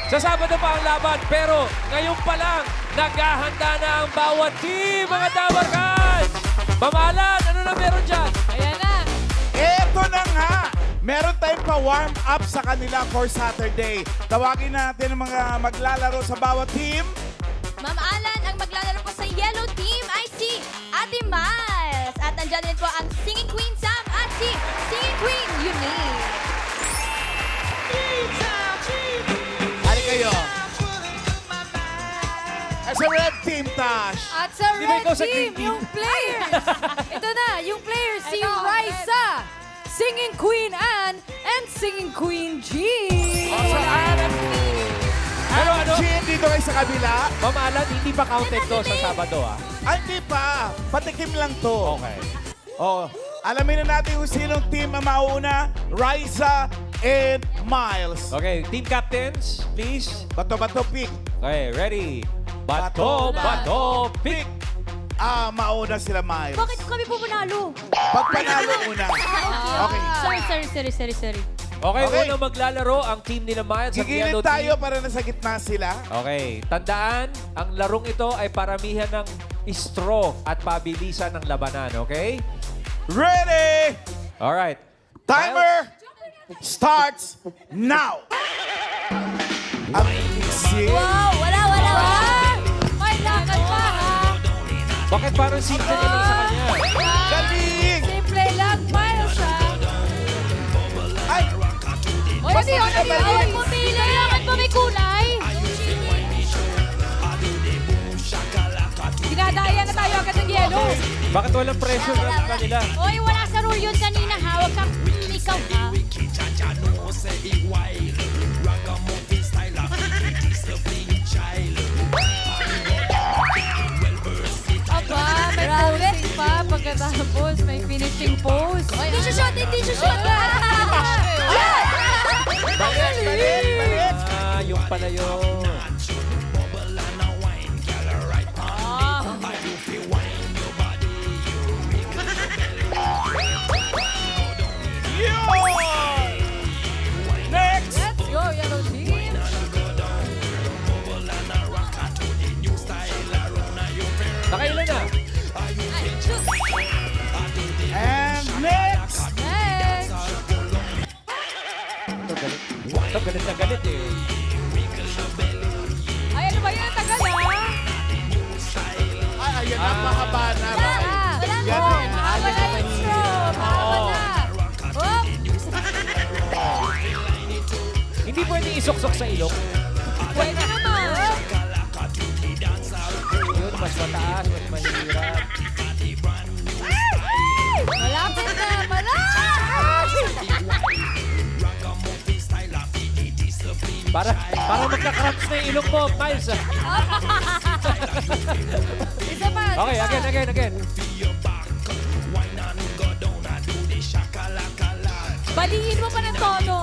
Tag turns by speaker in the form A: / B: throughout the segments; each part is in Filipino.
A: Sa Sabado pa ang laban, pero ngayon pa lang, naghahanda na ang bawat team, mga Dabarkans! Mamalan, ano na meron dyan?
B: Ayan na.
C: Eto na nga! Meron tayong pa-warm up sa kanila for Saturday. Tawagin natin ang mga maglalaro sa bawat team.
B: Ma'am Alan, ang maglalaro po sa Yellow Team ay si Ate Miles. At nandyan din po ang Singing Queen Sam at si Singing Queen Eunice.
C: Ano kayo? Sa red team, Tash.
D: At sa
A: Di ba
D: red
A: ikaw sa green
D: team,
A: team?
D: yung players. Ito na, yung players, si
B: Ito,
D: Raisa, Singing Queen Anne, and Singing Queen Jean.
C: Sa Arab
A: Pero ano,
C: Jean, dito kayo sa kabila.
A: Mamalan, hindi pa counted to sa Sabado, ah.
C: Ay, hindi pa. Patikim lang to.
A: Okay.
C: Oh, alamin na natin kung sinong team ang mauuna. Raisa and Miles.
A: Okay, team captains, please.
C: Bato-bato pick.
A: Okay, ready?
C: Bato,
A: Bato, pick!
C: Mauna sila Miles.
B: Bakit kami po manalo?
C: Pag panalo una. Okay.
B: Sorry.
A: Okay,
C: Okay.
A: unang maglalaro ang team nila Miles at Yellow
C: Gigilid tayo
A: Team.
C: para nasa gitna sila.
A: Okay, tandaan, ang larong ito ay paramihan ng straw at pabilisan ng labanan, okay?
C: Ready?
A: Alright.
C: Timer starts now. Ang easy.
B: Wow, wala. May lakad pa, ha?
A: Bakit parang simple na lang sa kanya?
C: Galing!
D: Simple lang, Miles, ha?
C: Ay!
B: Oy,
D: Pati yun,
B: ano yun? Pumili. Kailangan pa may kulay.
D: Dinadaya na tayo agad ng yellow.
A: Bakit walang pressure na sa kanila?
B: Oy, wala sa rule yun kanina, ha? Huwag kang ikaw, ha?
D: Aba, may posing pa. Pagkatapos, may finishing pose.
B: Hindi siya shot.
C: Balik!
A: Ah, yung pala yun.
C: Yun! Next!
D: Let's go, Yellow Team.
A: Nakailan na?
C: And next!
D: Next.
A: Ito, galit na galit eh.
D: Ay, ano ba yun? Ang tagal, ha?
C: Ay, ayan na, mahaba na.
D: Wala
C: Yan
D: na.
C: eh.
D: Mahaba na yung straw. Mahaba na. Hop.
A: Hindi pwede isok-sok sa ilong.
D: Pwede naman.
A: Yun, mas mataas, mas mahirap.
D: Malapit na. Malapit!
A: Para magka-cramps na yung ilong mo, Miles. ah.
D: Isa pa.
A: Okay, again.
D: Balihin mo pa ng tono.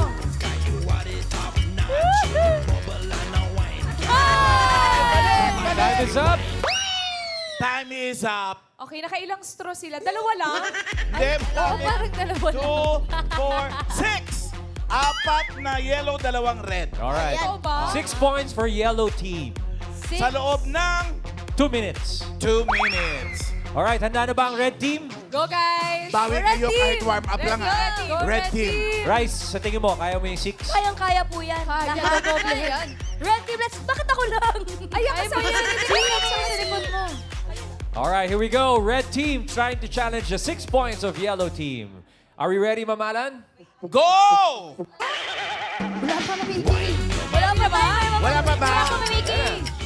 A: Time is up.
C: Time is up.
D: Okay, nakailang straw sila. Dalawa lang.
C: Then,
D: Oo, parang dalawa lang.
C: 2, 4, 6. Apat na yellow, dalawang red.
A: Alright.
D: Oo ba?
A: 6 points for Yellow Team.
D: Six.
C: Sa loob ng
A: 2 minutes.
C: 2 minutes.
A: Alright, handa na ba ang Red Team?
D: Go, guys!
C: Bawi
D: Red
C: kayo
D: team!
C: kahit warm up lang,
D: Red
C: ah.
D: team!
C: Red team.
A: Rice, sa tingin mo, kaya mo yung 6?
B: Kayang-kaya po yan.
D: Kaya,
B: Lahat.
D: doble yan.
B: Red team, bakit ako lang?
D: Ayan ka sa yan. Sa likod mo.
A: Alright, here we go. Red Team trying to challenge the 6 points of Yellow Team. Are we ready, Mamalan?
C: Go!
B: Wala pa namimiki.
D: Wala pa ba?
C: Wala pa ba?
B: Wala pa namimiki.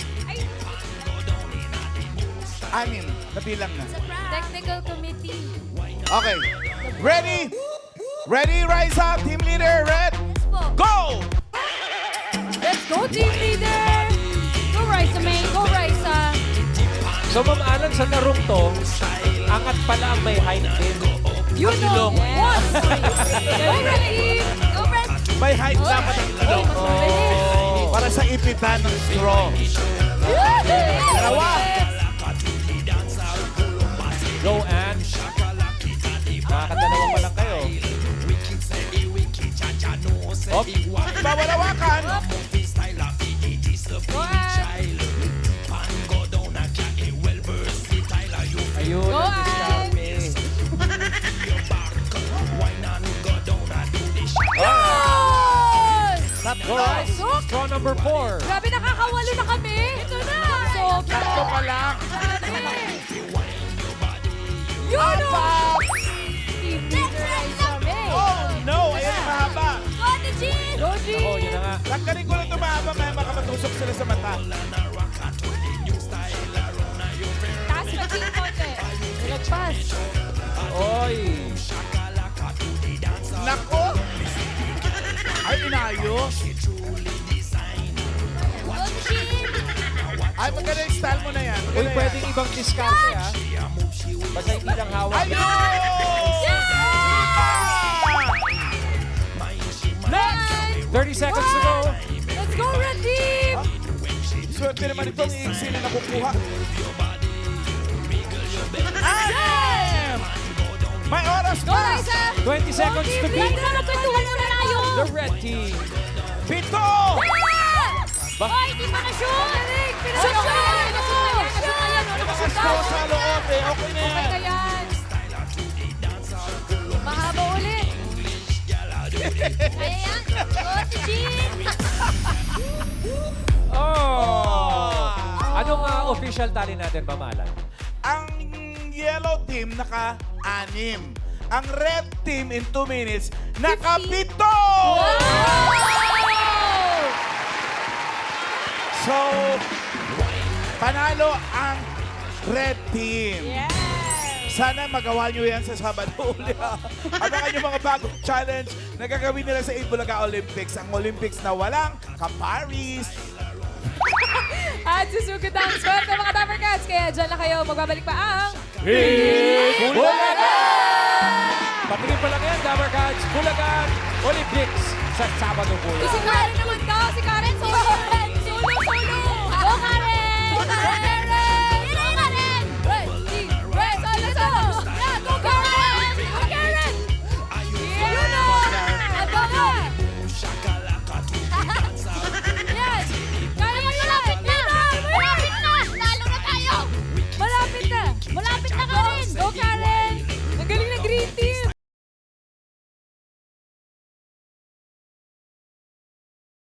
C: Anim. Kabilang na.
D: Technical committee.
C: Okay. Ready? Ready, rise up. Team leader, red. Go!
D: Let's go, team leader! Go, Raisa, man. Go, Raisa.
A: So, Ma'am Alan, sa larong to, angat pala ang may height din.
D: You know.
A: Ilong.
D: Yes. Go, Red team. Go, Red.
C: May height dapat ang ilong.
A: Oh.
C: Para sa ipitan ng straw. Dalawa.
A: Go, Ann. Nakakadalawa pa lang kayo. Hop.
C: Bawalawakan.
A: Alright, straw number 4.
D: Grabe, nakakawalo na kami. Ito na. Sobra.
C: Tatlo pa lang.
D: Yun o.
C: Apat!
D: Tinitirize kami.
C: Oh no! Ayan ang mahaba.
B: Go, the Jean!
D: Doji.
A: Oh, yun na nga.
C: Tanggalin ko lang ito mahaba, may makamatusok sila sa mata.
D: Taas pa din konti. Nilagpas.
A: Oy.
C: Nako! Ay, inayos.
B: Go, the Jean!
C: Ay, maganda yung style mo na yan.
A: Uy,
C: Maganda yan.
A: pwedeng ibang diskarte, ha? Basta hindi lang hawak.
C: Ayun!
D: Next.
A: 30 seconds to go.
D: Let's go, Red Team.
C: Swerte naman itong iiksi na nakukuha. Anim! May oras
D: Go,
C: pa!
D: Liza.
A: 20 seconds to beat.
B: Liza, magkwentuhan muna tayo!
A: The red team.
C: 7!
B: Ay, di pa na-shoot!
D: Shoot, shoot.
C: Malakas ko sa loob eh. Okay na
D: Okay
C: yan.
D: na yan. Mahaba ulit.
B: Kaya yan! Go, the Jean!
A: Oh! Anong official tally natin, Mamalan?
C: Ang yellow team naka-anim. Ang red team in 2 minutes naka-pito! So, panalo ang red team. Sana magawa nyo yan sa Sabado uli. Abangan nyo mga bagong challenge na gagawin nila sa Bulaga Olympics. Ang Olympics na walang ka-Paris.
D: At susugod ang swerte mga Dapper Cats. Kaya dyan lang kayo. Magbabalik pa ang...
A: Bulaga! Patingin pa lang yan, Dabber Cats. Bulagan Olympics sa Sabado po.
B: Kasi naman